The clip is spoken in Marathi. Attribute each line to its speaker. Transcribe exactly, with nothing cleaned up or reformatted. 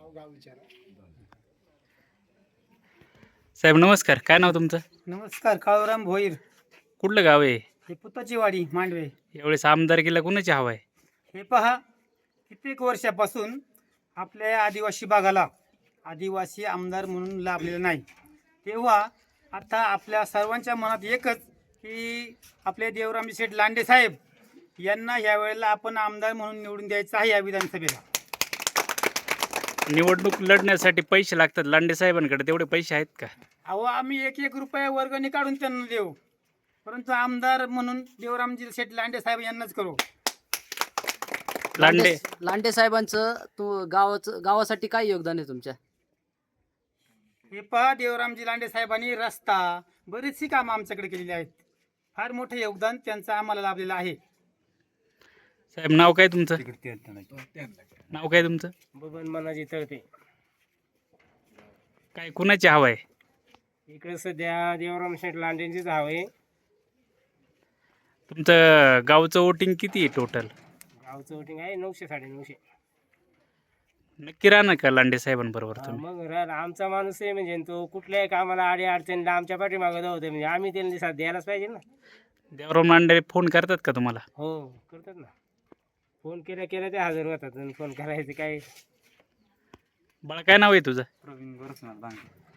Speaker 1: साहेब नमस्कार, काय नाव तुमचं?
Speaker 2: नमस्कार. काळूराम भोईर.
Speaker 1: कुठलं गाव आहे?
Speaker 2: हे पुताची वाडी मांडवे.
Speaker 1: यावेळेस आमदारकीला कुणाची हवा आहे?
Speaker 2: हे पहा, कित्येक वर्षापासून आपल्या आदिवासी भागाला आदिवासी आमदार म्हणून लाभलेला नाही. तेव्हा आता आपल्या सर्वांच्या मनात एकच की आपले देवरामजी शेठ लांडे साहेब यांना यावेळेला आपण आमदार म्हणून निवडून द्यायचं आहे या विधानसभेला.
Speaker 1: निवडणूक लढण्यासाठी पैसे लागतात, लांडे साहेबांकडे तेवढे पैसे आहेत का?
Speaker 2: अहो, आम्ही एक एक रुपया वर्गणी काढून त्यांना देऊ, परंतु आमदार म्हणून देवरामजी शेठ लांडे साहेब यांनाच करू.
Speaker 1: लांडे
Speaker 3: लांडे साहेबांचं तू गावाचं गावासाठी काय योगदान आहे तुमच्या?
Speaker 2: हे पहा, देवरामजी लांडे साहेबांनी रस्ता बरीचशी कामं आमच्याकडे केलेली आहेत. फार मोठं योगदान त्यांचं आम्हाला लाभलेलं आहे.
Speaker 1: साहेब नाव काय तुमचं? नाव काय तुमचं?
Speaker 4: बबन मनाजी तळते.
Speaker 1: काय कुणाची हवा आहे?
Speaker 4: इकडे सध्या देवराम शेठ लांडेंचीच हवं आहे.
Speaker 1: तुमचं गावचं वोटिंग किती आहे टोटल?
Speaker 4: गावचं वोटिंग आहे नऊशे साडे नऊशे.
Speaker 1: नक्की राहणार का लांडे साहेबांबरोबर
Speaker 4: हा,
Speaker 1: तुम्ही?
Speaker 4: मग रा- आमचा माणूस आहे म्हणजे तो कुठल्याही कामाला अडी अडचणीला आमच्या पाठीमागं धावते म्हणजे आम्ही त्यांना साथ द्यायलाच पाहिजे ना.
Speaker 1: देवराम लांडे फोन करतात का तुम्हाला?
Speaker 4: हो करतात ना. फोन केल्या केल्या ते हजर होतात आणि फोन करायचे काय.
Speaker 1: बाळा काय नाव आहे तुझं?
Speaker 2: प्रवीण गोरखनाथ बांगे.